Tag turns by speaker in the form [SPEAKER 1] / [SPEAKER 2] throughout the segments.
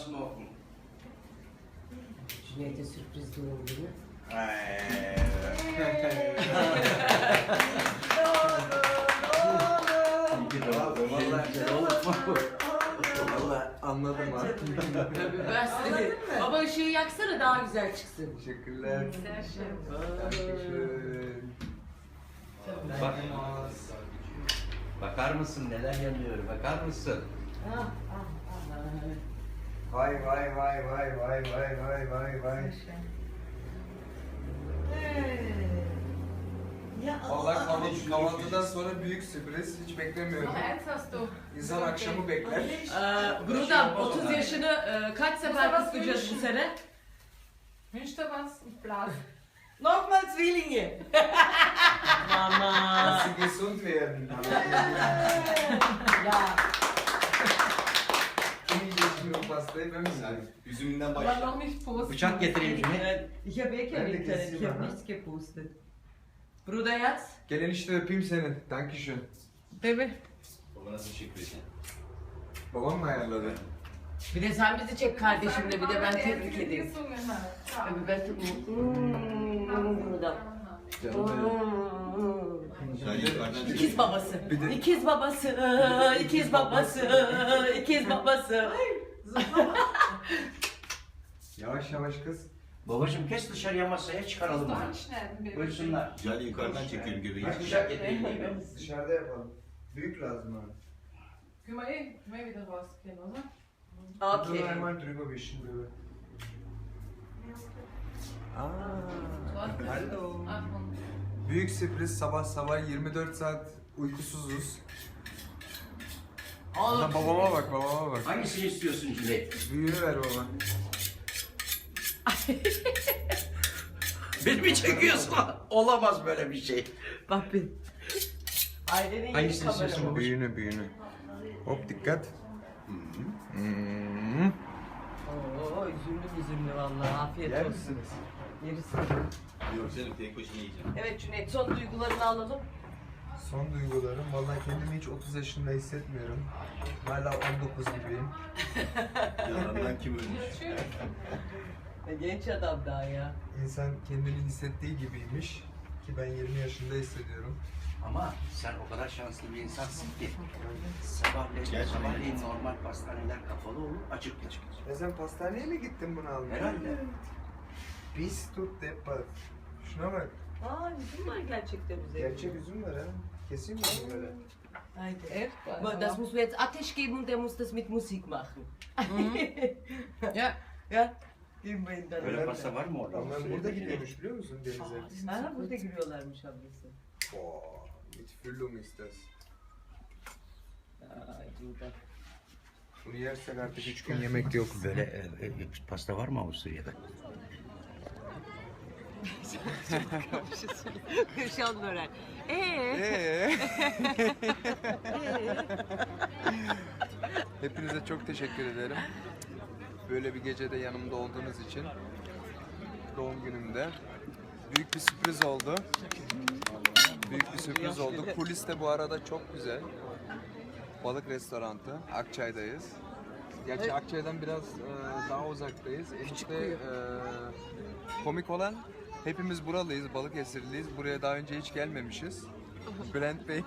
[SPEAKER 1] duasını oku.
[SPEAKER 2] Cüneyt'e sürpriz doğum günü.
[SPEAKER 3] Valla anladım ha.
[SPEAKER 2] Tabii ben size. Baba ışığı yaksana daha güzel çıksın.
[SPEAKER 3] Teşekkürler. Dankeschön.
[SPEAKER 1] Bak. Bakar mısın neler yanıyor? Bakar mısın?
[SPEAKER 3] Vay vay vay vay vay vay vay vay vay. Valla kahvaltıdan sonra büyük sürpriz. Hiç beklemiyorum.
[SPEAKER 4] Ernst hast du?
[SPEAKER 3] İnsan akşamı bekler.
[SPEAKER 2] Bruder 30 yaşını kaç sefer kutlayacağız bu sene?
[SPEAKER 4] Wünsch dir was? Ich blas.
[SPEAKER 2] Nochmal Zwillinge. Mama.
[SPEAKER 3] Dass sie gesund werden.
[SPEAKER 2] Ya.
[SPEAKER 3] Kim yiyecek o pastayı ben mi yiyeyim?
[SPEAKER 1] Üzümünden
[SPEAKER 4] Aber
[SPEAKER 1] başla.
[SPEAKER 4] noch nicht posten.
[SPEAKER 1] Bıçak getireyim Cüneyt.
[SPEAKER 2] Ich habe eh kein Internet, ich habe nichts gepostet. Bruder jetzt?
[SPEAKER 3] Gel enişte öpeyim seni. Dankeschön.
[SPEAKER 4] Baby.
[SPEAKER 1] Babana teşekkür ederim.
[SPEAKER 3] Babam mı ayarladı?
[SPEAKER 2] Bir de sen bizi çek kardeşimle, bir de ben tebrik edeyim.
[SPEAKER 4] Gesungen hat.
[SPEAKER 2] Tabii ben tebrik Bruder.
[SPEAKER 3] Canım benim.
[SPEAKER 2] İkiz babası.
[SPEAKER 3] Bir de-
[SPEAKER 2] İkiz babası. İkiz babası. İkiz babası.
[SPEAKER 3] Yavaş yavaş kız.
[SPEAKER 1] Babacım kes dışarıya masaya çıkaralım onu.
[SPEAKER 4] Anschneiden, Baby.
[SPEAKER 1] Buyursunlar.
[SPEAKER 5] Güzel yukarıdan çekiyorum göbeği.
[SPEAKER 1] Kaç bıçak getireyim değil mi?
[SPEAKER 3] Dışarıda yapalım. Büyük lazım abi.
[SPEAKER 4] Können wir wieder rausgehen, oder?
[SPEAKER 3] Dur
[SPEAKER 2] Okay.
[SPEAKER 3] einmal drüber wischen drüber. Hallo.
[SPEAKER 4] Ach, und
[SPEAKER 3] Büyük sürpriz sabah sabah 24 saat uykusuzuz. Lan babama bak babama bak.
[SPEAKER 1] Hangisini istiyorsun Cüneyt?
[SPEAKER 3] Büyüğünü ver baba.
[SPEAKER 1] Beni mi çekiyorsun? Olamaz böyle bir şey.
[SPEAKER 2] Bak bir. Ailenin yeni
[SPEAKER 1] Hangisini
[SPEAKER 2] kameramanı.
[SPEAKER 1] istiyorsun?
[SPEAKER 3] Büyüğünü büyüğünü. Hop dikkat.
[SPEAKER 2] Oo, üzümlü vallahi. Afiyet
[SPEAKER 3] Yer
[SPEAKER 2] olsun.
[SPEAKER 3] misiniz?
[SPEAKER 2] Yeriz.
[SPEAKER 5] Yok canım tek başına yiyeceğim.
[SPEAKER 2] Evet Cüneyt, son duygularını alalım.
[SPEAKER 3] Son duygularım. Vallahi kendimi hiç 30 yaşında hissetmiyorum. Hala 19 gibiyim.
[SPEAKER 5] Yalandan kim ölmüş?
[SPEAKER 2] Genç adam daha ya.
[SPEAKER 3] İnsan kendini hissettiği gibiymiş. Ki ben 20 yaşında hissediyorum.
[SPEAKER 1] Ama sen o kadar şanslı bir insansın ki
[SPEAKER 5] Gerçekten.
[SPEAKER 1] sabahleyin normal pastaneler kapalı olur, açık açık.
[SPEAKER 3] Ya sen pastaneye mi gittin bunu almaya?
[SPEAKER 1] Herhalde.
[SPEAKER 3] Bis tut depat. Şuna bak.
[SPEAKER 2] Aa, üzüm var gerçekten üzerinde.
[SPEAKER 3] Gerçek üzüm var ha. Keseyim mi böyle?
[SPEAKER 2] Haydi.
[SPEAKER 4] echt?
[SPEAKER 2] Aber das müssen wir jetzt Ateş geben und der muss das mit Musik machen.
[SPEAKER 4] Ja.
[SPEAKER 2] Ja. Geben wir ihn dann.
[SPEAKER 1] Böyle pasta var mı orada?
[SPEAKER 3] Onlar burada gidiyormuş biliyor musun denize?
[SPEAKER 2] Ha, burada giriyorlarmış ablası.
[SPEAKER 3] Boah, mit Füllung ist das.
[SPEAKER 2] Ay burada.
[SPEAKER 3] Bunu yersek artık 3 gün yemek yok.
[SPEAKER 1] Böyle pasta var mı Avusturya'da?
[SPEAKER 2] Kırşan börek.
[SPEAKER 3] Hepinize çok teşekkür ederim. Böyle bir gecede yanımda olduğunuz için. Doğum günümde. Büyük bir sürpriz oldu. Büyük bir sürpriz oldu. Kulis de bu arada çok güzel. Balık restoranı. Akçay'dayız. Gerçi Akçay'dan biraz daha uzaktayız. Enişte komik olan hepimiz buralıyız, Balıkesirliyiz. Buraya daha önce hiç gelmemişiz. Bülent Bey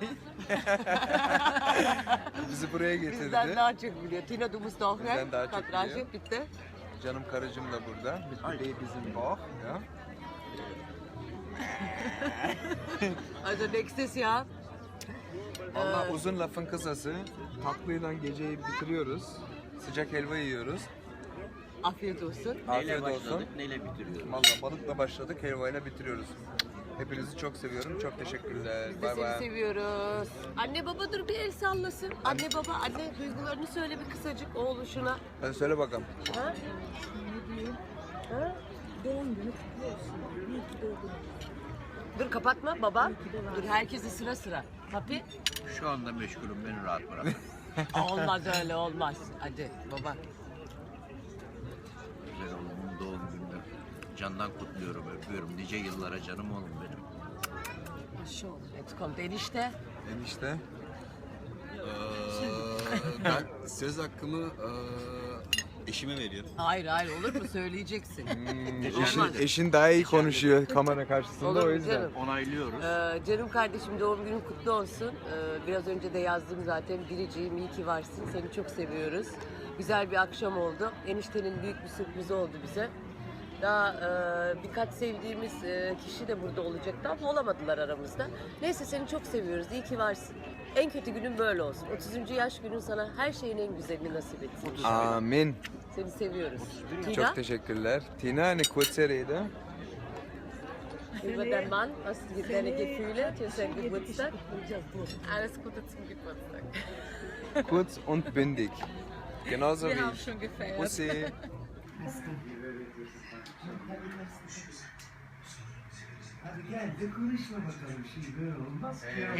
[SPEAKER 3] bizi buraya getirdi.
[SPEAKER 2] Bizden daha çok biliyor. Tina, du musst auch
[SPEAKER 3] Bizden
[SPEAKER 2] rein.
[SPEAKER 3] daha çok
[SPEAKER 2] Kadrajı,
[SPEAKER 3] biliyor.
[SPEAKER 2] bitte.
[SPEAKER 3] Canım karıcığım da burada. Mit bizim Bauch. Ya.
[SPEAKER 2] Also nächstes Jahr.
[SPEAKER 3] Vallahi uzun lafın kısası. Tatlıyla geceyi bitiriyoruz. Sıcak helva yiyoruz.
[SPEAKER 2] Afiyet olsun.
[SPEAKER 3] Afiyet olsun.
[SPEAKER 1] Neyle bitiriyoruz?
[SPEAKER 3] Vallahi balıkla başladık, helvayla bitiriyoruz. Hepinizi çok seviyorum. Çok teşekkürler.
[SPEAKER 2] Biz de
[SPEAKER 3] Bay
[SPEAKER 2] seni
[SPEAKER 3] bay.
[SPEAKER 2] seviyoruz. Anne baba dur bir el sallasın. Anne baba, anne duygularını söyle bir kısacık oğluşuna.
[SPEAKER 3] Hadi söyle bakalım.
[SPEAKER 2] Ha? Ha? Doğum günü kutlu olsun. İyi ki doğdun. Dur kapatma baba. Dur herkesi sıra sıra. Papi.
[SPEAKER 1] Şu anda meşgulüm, beni rahat bırak.
[SPEAKER 2] Olmaz öyle olmaz. Hadi baba.
[SPEAKER 1] Güzel oğlumun doğum gününü candan kutluyorum, öpüyorum. Nice yıllara canım oğlum benim.
[SPEAKER 2] Jetzt kommt enişte.
[SPEAKER 5] Ben söz hakkımı Eşime veriyorum.
[SPEAKER 2] Hayır olur mu söyleyeceksin.
[SPEAKER 3] Eşin daha iyi konuşuyor kamera karşısında
[SPEAKER 2] Olur
[SPEAKER 3] o
[SPEAKER 2] mu
[SPEAKER 3] yüzden.
[SPEAKER 2] canım?
[SPEAKER 1] Onaylıyoruz.
[SPEAKER 2] Canım kardeşim doğum günün kutlu olsun. Biraz önce de yazdım zaten. Biriciğim iyi ki varsın. Seni çok seviyoruz. Güzel bir akşam oldu. Eniştenin büyük bir sürprizi oldu bize. Daha birkaç sevdiğimiz kişi de burada olacaktı ama olamadılar aramızda. Neyse seni çok seviyoruz. İyi ki varsın. En kötü günün böyle olsun. 30. yaş günün sana her şeyin en güzelini nasip etsin.
[SPEAKER 3] Amin.
[SPEAKER 2] Seni seviyoruz. Tina,
[SPEAKER 3] Çok teşekkürler. Tina, eine kurze Rede.
[SPEAKER 2] über den Mann, was sind deine Gefühle für seinen Geburtstag? Alles Gute zum Geburtstag.
[SPEAKER 3] Kurz und bündig. Genauso
[SPEAKER 2] Wir
[SPEAKER 3] wie
[SPEAKER 2] haben
[SPEAKER 3] ich.
[SPEAKER 2] schon gefeiert.
[SPEAKER 3] Bussi.
[SPEAKER 6] Hadi gel de konuşma bakalım şimdi böyle olmaz ki ya.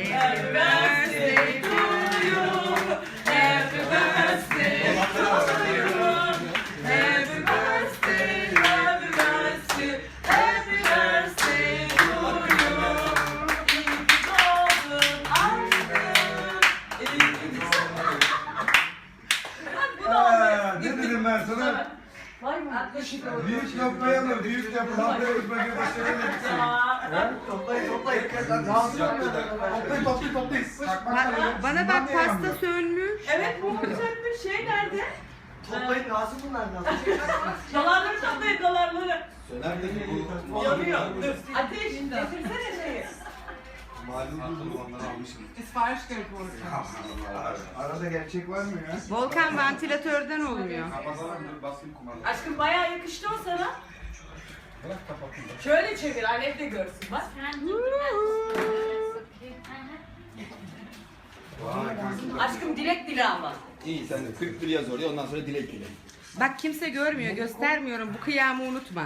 [SPEAKER 6] Ne dedim ben sana? Büyük yapmayalım, büyük yapın. Haftaya bakın başaramadık. Toplayın. Toplayın.
[SPEAKER 7] Bana bak pasta sönmüş.
[SPEAKER 2] Evet, bu sönmüş şey nerede?
[SPEAKER 6] Toplayın lazım bunlardan.
[SPEAKER 2] Dolarları toplayın, dolarları.
[SPEAKER 5] Söner de bu.
[SPEAKER 2] Yanıyor. Ateş, getirsene şeyi.
[SPEAKER 5] Malum onları almışım.
[SPEAKER 4] Ist falsch Geld wurde.
[SPEAKER 6] Arada gerçek var mı ya?
[SPEAKER 7] Volkan ventilatörden olmuyor.
[SPEAKER 5] Basın kumandı.
[SPEAKER 2] Aşkım bayağı yakıştı o sana. Şöyle çevir, annem de görsün bak. Aşkım dilek dile ama.
[SPEAKER 5] İyi sen de 41 yaz oraya ondan sonra dilek dile.
[SPEAKER 7] Bak kimse görmüyor, göstermiyorum. Bu kıyamı unutma.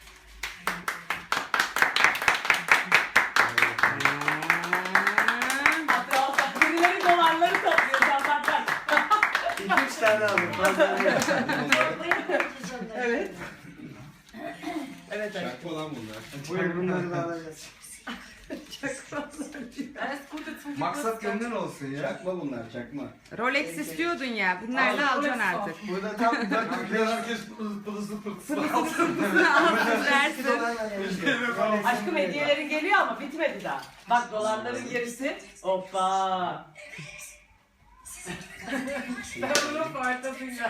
[SPEAKER 2] Birileri dolarları topluyor zaten.
[SPEAKER 6] 2-3 tane aldım.
[SPEAKER 2] Evet. Evet aşkım.
[SPEAKER 5] Şarkı olan bunlar.
[SPEAKER 6] Buyur bunları da alacağız.
[SPEAKER 2] Alles Gute zum
[SPEAKER 6] Maksat gönlün olsun ya.
[SPEAKER 5] Çakma bunlar çakma.
[SPEAKER 7] Rolex istiyordun ya. Bunlarla alacaksın artık.
[SPEAKER 6] Burada tam herkes pılısı pırtısı.
[SPEAKER 7] Versin.
[SPEAKER 2] Aşkım hediyelerin geliyor ama bitmedi daha. Bak dolarların gerisi. Hoppa. Ben bunu farkındayım.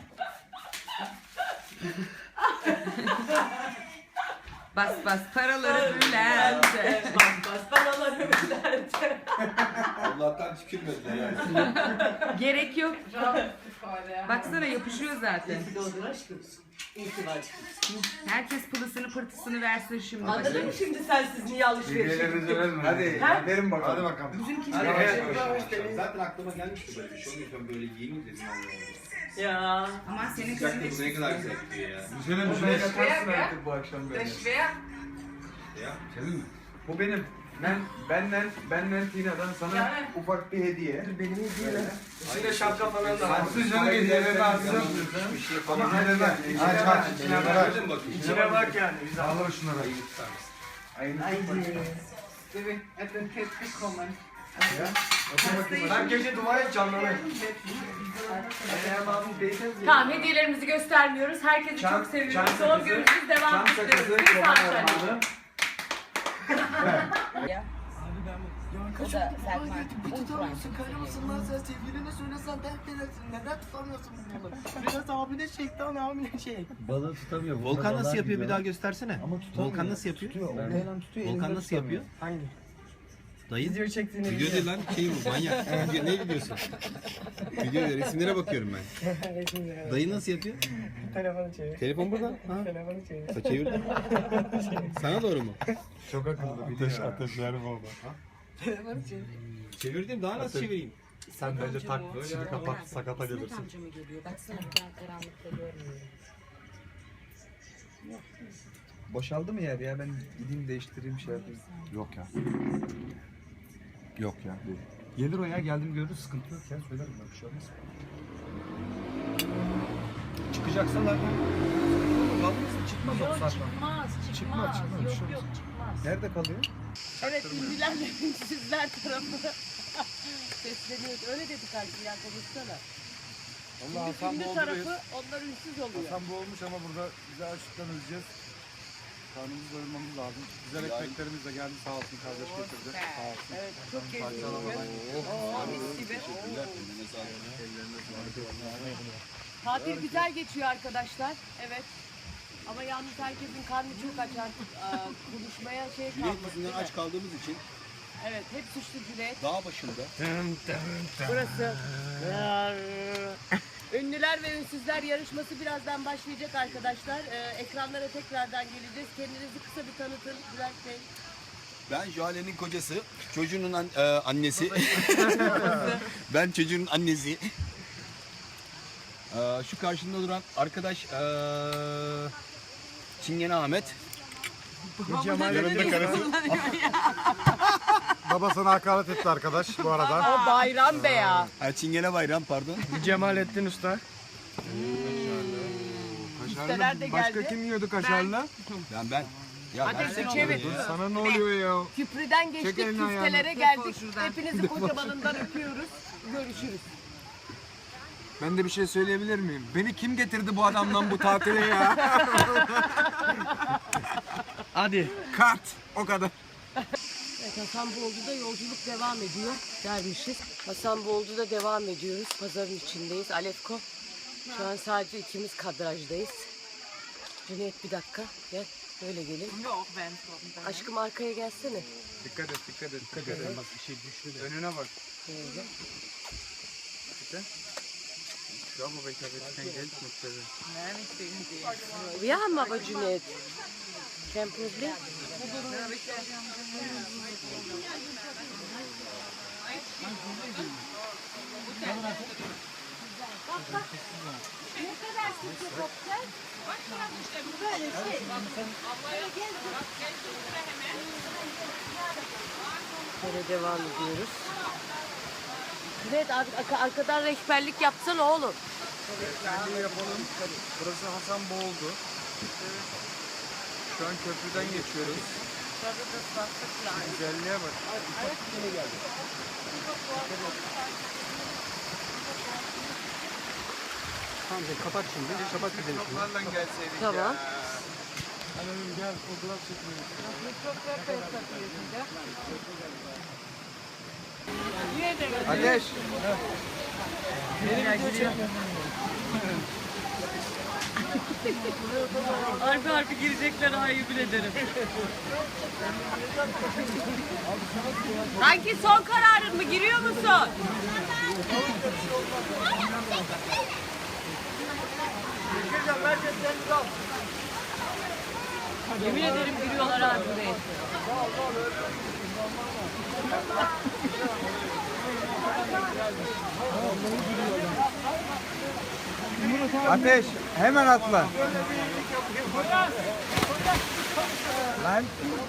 [SPEAKER 7] Bas paraları bülente.
[SPEAKER 2] Bas paraları bülente.
[SPEAKER 5] Allah'tan tükürmediler yani.
[SPEAKER 7] Gerek yok.
[SPEAKER 4] Freude.
[SPEAKER 7] Baksana yapışıyor zaten.
[SPEAKER 2] İyi ki doğdun aşkım. İyi ki varsın.
[SPEAKER 7] Herkes pılısını pırtısını versin şimdi.
[SPEAKER 2] Anladın mı şimdi sensiz niye alışveriş yapıyorsun?
[SPEAKER 3] Hadi
[SPEAKER 2] Ha?
[SPEAKER 3] verin bakalım.
[SPEAKER 6] Hadi bakalım.
[SPEAKER 5] Zaten aklıma gelmişti böyle bir şey. O yüzden böyle giyineyim dedim Allah'ım.
[SPEAKER 2] Ya.
[SPEAKER 7] Ama senin
[SPEAKER 5] Sıcakta
[SPEAKER 7] kızın
[SPEAKER 5] bu ne kadar güzel gidiyor ya.
[SPEAKER 3] Güzelim bir şey yakarsın artık bu akşam
[SPEAKER 4] Sehr
[SPEAKER 3] böyle.
[SPEAKER 4] schwer.
[SPEAKER 5] Ya.
[SPEAKER 3] Senin mi? Bu benim. Benden Tina'dan sana
[SPEAKER 4] Yani.
[SPEAKER 3] ufak bir hediye.
[SPEAKER 6] Benim hediyem.
[SPEAKER 3] İçine şapka falan da var.
[SPEAKER 6] Açsın canım hediyelerini açsın.
[SPEAKER 5] Bir şey falan.
[SPEAKER 6] Ama hadi bak. Aç. İçine bak.
[SPEAKER 5] Gördün mü bakayım?
[SPEAKER 6] İçine bak yani. Al şunları.
[SPEAKER 5] Ayıp tutar mısın?
[SPEAKER 6] Haydi.
[SPEAKER 4] Baby, hat den Kit bekommen.
[SPEAKER 6] Ben gece dua et canlanayım.
[SPEAKER 2] Tamam hediyelerimizi göstermiyoruz. Herkesi çok seviyoruz.
[SPEAKER 6] çam
[SPEAKER 2] Son
[SPEAKER 6] sakızı,
[SPEAKER 2] görüşürüz. Devam
[SPEAKER 6] Çam
[SPEAKER 2] ediyoruz.
[SPEAKER 6] sakızı,
[SPEAKER 2] Bir
[SPEAKER 6] çoban
[SPEAKER 2] saat sonra.
[SPEAKER 6] armağanı.
[SPEAKER 2] O da Selman.
[SPEAKER 8] Tutamıyorsun, karımsın lan sen sevgiline söylesen dert edersin. Neden tutamıyorsun bunu? Biraz hamile şeytan hamile şey.
[SPEAKER 9] Balığı tutamıyor.
[SPEAKER 5] Volkan nasıl yapıyor bir daha göstersene.
[SPEAKER 9] Ama tutamıyor.
[SPEAKER 5] Volkan nasıl yapıyor?
[SPEAKER 9] Tutuyor.
[SPEAKER 5] Volkan nasıl yapıyor?
[SPEAKER 8] Hangi?
[SPEAKER 5] Dayı.
[SPEAKER 8] Video çektiğini
[SPEAKER 5] Video değil lan şey bu manyak. Video, ne videosu? Video değil, resimlere bakıyorum ben. Dayı nasıl yapıyor?
[SPEAKER 8] Telefonu çevir.
[SPEAKER 5] Telefon burada. Ha?
[SPEAKER 8] Telefonu çevir.
[SPEAKER 5] Ha, çevirdim. Sana doğru mu?
[SPEAKER 3] Çok akıllı. Ateşler mi oldu?
[SPEAKER 8] Telefonu çevir.
[SPEAKER 5] Çevirdim daha nasıl çevireyim?
[SPEAKER 9] Sen bence takma. Şimdi kapat sakata gelirsin.
[SPEAKER 7] amca mı geliyor? Baksana ben karanlıkta görmüyorum.
[SPEAKER 3] Boşaldı mı yer ya? Ben gideyim değiştireyim şey yapayım.
[SPEAKER 9] Yok ya. Yok ya. Gelir o ya. Geldim görürüz. Sıkıntı yok ya. Söylerim ben. Bir şey olmaz. Çıkacaksa zaten. Kalmazsın. Çıkmaz o saatten. Çıkmaz. Yok çıkmaz.
[SPEAKER 3] Nerede kalıyor?
[SPEAKER 2] Evet ünlüler ve ünsüzler tarafı sesleniyoruz. Öyle dedik artık ya konuşsana.
[SPEAKER 9] Allah Hasan
[SPEAKER 2] Ünlü
[SPEAKER 9] bu
[SPEAKER 2] tarafı onlar ünsüz oluyor.
[SPEAKER 9] Hasan bu olmuş ama burada bize açlıktan öleceğiz. Karnımızı doyurmamız lazım. Güzel ekmeklerimiz de geldi sağ olsun kardeş getirdi. Sağ olsun.
[SPEAKER 2] Evet, çok keyifli. Mis gibi. Tatil güzel geçiyor arkadaşlar. Evet. Ama yalnız herkesin karnı çok aç artık. Konuşmaya şey
[SPEAKER 5] Cüneyt
[SPEAKER 2] kalmadı.
[SPEAKER 5] yüzünden
[SPEAKER 2] değil mi?
[SPEAKER 5] aç kaldığımız için
[SPEAKER 2] Evet, hep suçlu Cüneyt.
[SPEAKER 5] dağ başında
[SPEAKER 2] Burası. Ünlüler ve ünsüzler yarışması birazdan başlayacak arkadaşlar. Ekranlara tekrardan geleceğiz. Kendinizi kısa bir tanıtın Bülent Bey.
[SPEAKER 5] ben Jale'nin kocası, çocuğunun annesi. Ben çocuğun annesi. Şu karşında duran arkadaş Çingene Ahmet.
[SPEAKER 9] Yanında karısı. Baba sana hakaret etti arkadaş bu arada.
[SPEAKER 2] O Bayram Bey ya.
[SPEAKER 5] Çingene Bayram pardon.
[SPEAKER 9] Cemalettin Usta.
[SPEAKER 2] Üsteler de
[SPEAKER 3] Başka
[SPEAKER 2] geldi.
[SPEAKER 3] kim yiyordu kaşarlı?
[SPEAKER 5] Ben. Ya ben
[SPEAKER 2] Ateşi çevir.
[SPEAKER 3] Sana ne oluyor ya?
[SPEAKER 2] Küprüden geçtik,
[SPEAKER 3] Çek elini ayağını.
[SPEAKER 2] küftelere geldik. Hepinizi kocamanından öpüyoruz. Görüşürüz.
[SPEAKER 3] Ben de bir şey söyleyebilir miyim? Beni kim getirdi bu adamdan bu tatile ya?
[SPEAKER 9] Hadi.
[SPEAKER 3] Kart. O kadar.
[SPEAKER 2] Evet, Hasanboldu'da yolculuk devam ediyor dermişiz. Hasanboldu'da devam ediyoruz. Pazarın içindeyiz. Alefko. Şu an sadece ikimiz kadrajdayız. Cüneyt bir dakika. Gel. Böyle gelin. Aşkım arkaya gelsene.
[SPEAKER 3] Dikkat et.
[SPEAKER 9] Bak bir şey düştü de.
[SPEAKER 3] Önüne bak.
[SPEAKER 2] Böyle.
[SPEAKER 3] Bravo be tabii. Geld mutlaka.
[SPEAKER 2] Wir haben aber Cüneyt. Kein Problem. Böyle devam ediyoruz. Cüneyt arkadan rehberlik yapsana oğlum.
[SPEAKER 3] Kendi yapalım. Burası Hasanboldu. Şu an köprüden geçiyoruz. Güzelliğe bak.
[SPEAKER 9] Tamam kapat şimdi. Kapat gidelim.
[SPEAKER 3] Bunlarla gelseydik
[SPEAKER 2] Tamam.
[SPEAKER 3] ya.
[SPEAKER 9] Hanım gel fotoğraf çekmeyelim.
[SPEAKER 3] Ateş.
[SPEAKER 2] Harbi harbi girecekler hayır bile derim. Sanki son kararın mı? Giriyor musun? Yemin ederim giriyorlar abi buraya.
[SPEAKER 3] Ateş. Hemen atla. Lan.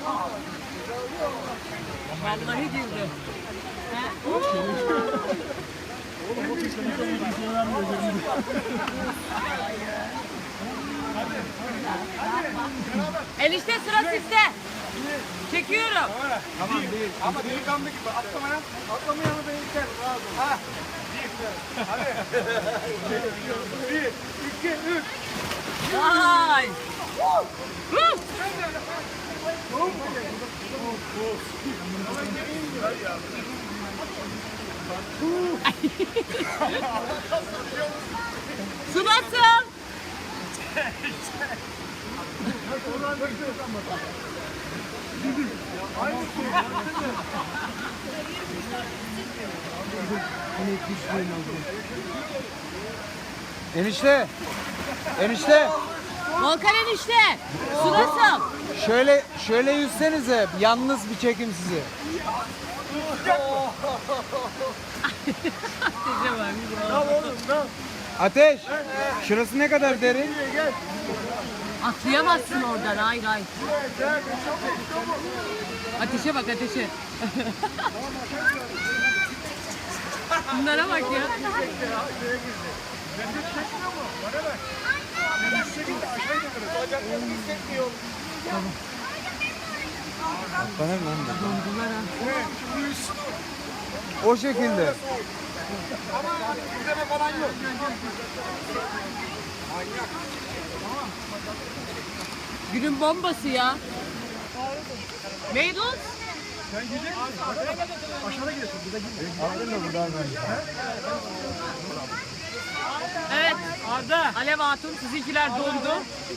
[SPEAKER 2] Vallahi girdi. Enişte sıra sizde. Çekiyorum.
[SPEAKER 3] Tamam değil. Ama delikanlı gibi atlamaya. Atlamayalım beni içer. Ha. Hadi. 1, 2, 3.
[SPEAKER 2] Vay. Su nasıl?
[SPEAKER 3] Enişte. Enişte.
[SPEAKER 2] Volkan enişte. Su nasıl?
[SPEAKER 3] Şöyle yüzsenize. Yalnız bir çekim sizi. Ateş. Şurası ne kadar derin?
[SPEAKER 2] Atlayamazsın oradan. Hayır hayır. Ateşe bak ateşe. Bunlara bak ya.
[SPEAKER 3] O şekilde.
[SPEAKER 9] Ama hani izleme falan yok.
[SPEAKER 2] Günün bombası ya. Meyduz.
[SPEAKER 9] Sen gidecek misin? Aşağıda gidiyorsun. Burada gitme. Aldın mı buradan ben?
[SPEAKER 2] Evet. Arda. Alev Hatun sizinkiler dondu.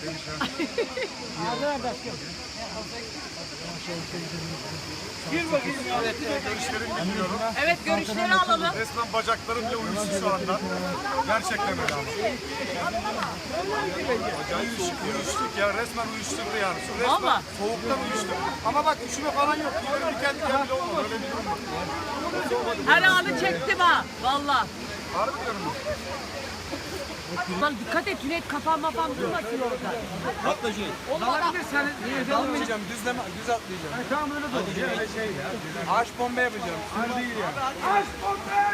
[SPEAKER 9] Gir bakayım ya. Evet, görüşlerimi bilmiyorum.
[SPEAKER 2] Evet görüşleri alalım.
[SPEAKER 9] Resmen bacaklarım bile uyuştu şu anda. Gerçekten öyle ama. Uyuştuk ya, resmen uyuşturdu yani. Resmen
[SPEAKER 2] Valla.
[SPEAKER 9] soğuktan uyuştuk. Ama bak üşüme falan yok. Gidelim bir kendi bile olmadı. Öyle bir durum var.
[SPEAKER 2] Her anı çektim ha. Valla.
[SPEAKER 9] Harbi diyorum.
[SPEAKER 2] Lan dikkat et Cüneyt kafan mafan durmasın orada.
[SPEAKER 5] Atla Cüneyt.
[SPEAKER 9] Dalabilir sen. Dalmayacağım, düz atlayacağım. Tamam öyle de olur. Öyle şey ya. Ağaç bomba yapacağım. Sır değil ya. Ağaç bomba!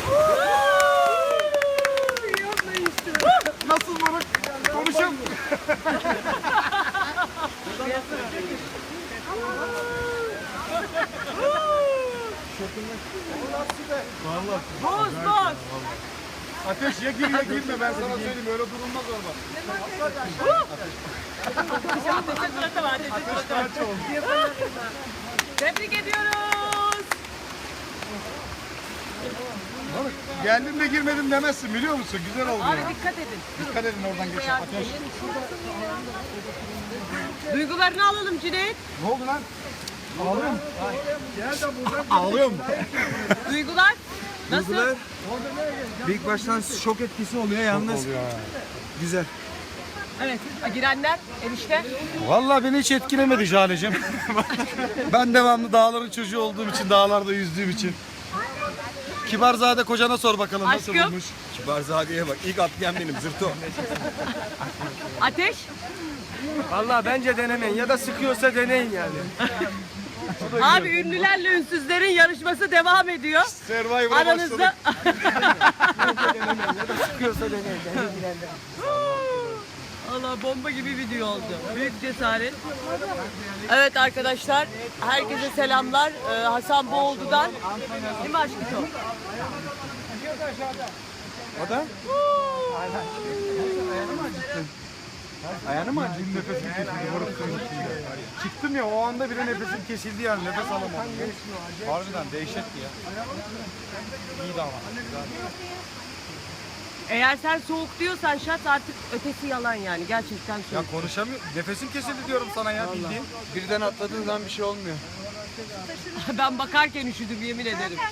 [SPEAKER 9] Nasıl moruk? Konuşalım.
[SPEAKER 2] Boz boz.
[SPEAKER 9] Ateş ya gir ya girme ben sana söyleyeyim öyle durulmaz orada.
[SPEAKER 2] Tebrik ediyoruz.
[SPEAKER 9] Geldim de girmedim demezsin biliyor musun? Güzel oldu
[SPEAKER 2] Abi
[SPEAKER 9] ya.
[SPEAKER 2] dikkat edin.
[SPEAKER 9] Dikkat edin oradan geçin. Ateş.
[SPEAKER 2] Duygularını alalım Cüneyt.
[SPEAKER 9] Ne oldu lan? Ağlıyor mu? Gel de buradan. Ağlıyor mu?
[SPEAKER 2] Duygular. Nasıl?
[SPEAKER 3] İlk baştan şok etkisi oluyor yalnız. Güzel.
[SPEAKER 2] Evet. Girenler enişte.
[SPEAKER 9] Vallahi beni hiç etkilemedi Jale'cim. Ben devamlı dağların çocuğu olduğum için, dağlarda yüzdüğüm için. Kibarzade kocana sor bakalım nasıl
[SPEAKER 2] Aşkım.
[SPEAKER 9] bulmuş.
[SPEAKER 5] Kibarzade'ye bak. İlk atlayan benim. Zırto.
[SPEAKER 2] Ateş.
[SPEAKER 3] Vallahi bence denemeyin ya da sıkıyorsa deneyin yani.
[SPEAKER 2] Abi ünlülerle ünsüzlerin yarışması devam ediyor.
[SPEAKER 9] Survivor'a
[SPEAKER 2] Aranızda.
[SPEAKER 3] Sıkıyorsa deneyin.
[SPEAKER 2] Allah bomba gibi video oldu. Büyük cesaret. Evet arkadaşlar, herkese selamlar. Hasan Boğuldu'dan. Değil mi aşkım?
[SPEAKER 3] O da?
[SPEAKER 9] Ayağını mı acıdın nefesim kesildi moruk suyun içinde. Çıktım ya o anda bile nefesim kesildi yani nefes alamadım. Harbiden dehşetti ya. İyiydi ama.
[SPEAKER 2] Eğer sen soğuk diyorsan şat artık ötesi yalan yani. Gerçekten
[SPEAKER 9] Ya
[SPEAKER 2] soğuk.
[SPEAKER 9] konuşamıyorum. Nefesim kesildi diyorum sana ya bildiğin.
[SPEAKER 3] Birden atladığın zaman bir şey olmuyor.
[SPEAKER 2] Ben bakarken üşüdüm yemin ederim.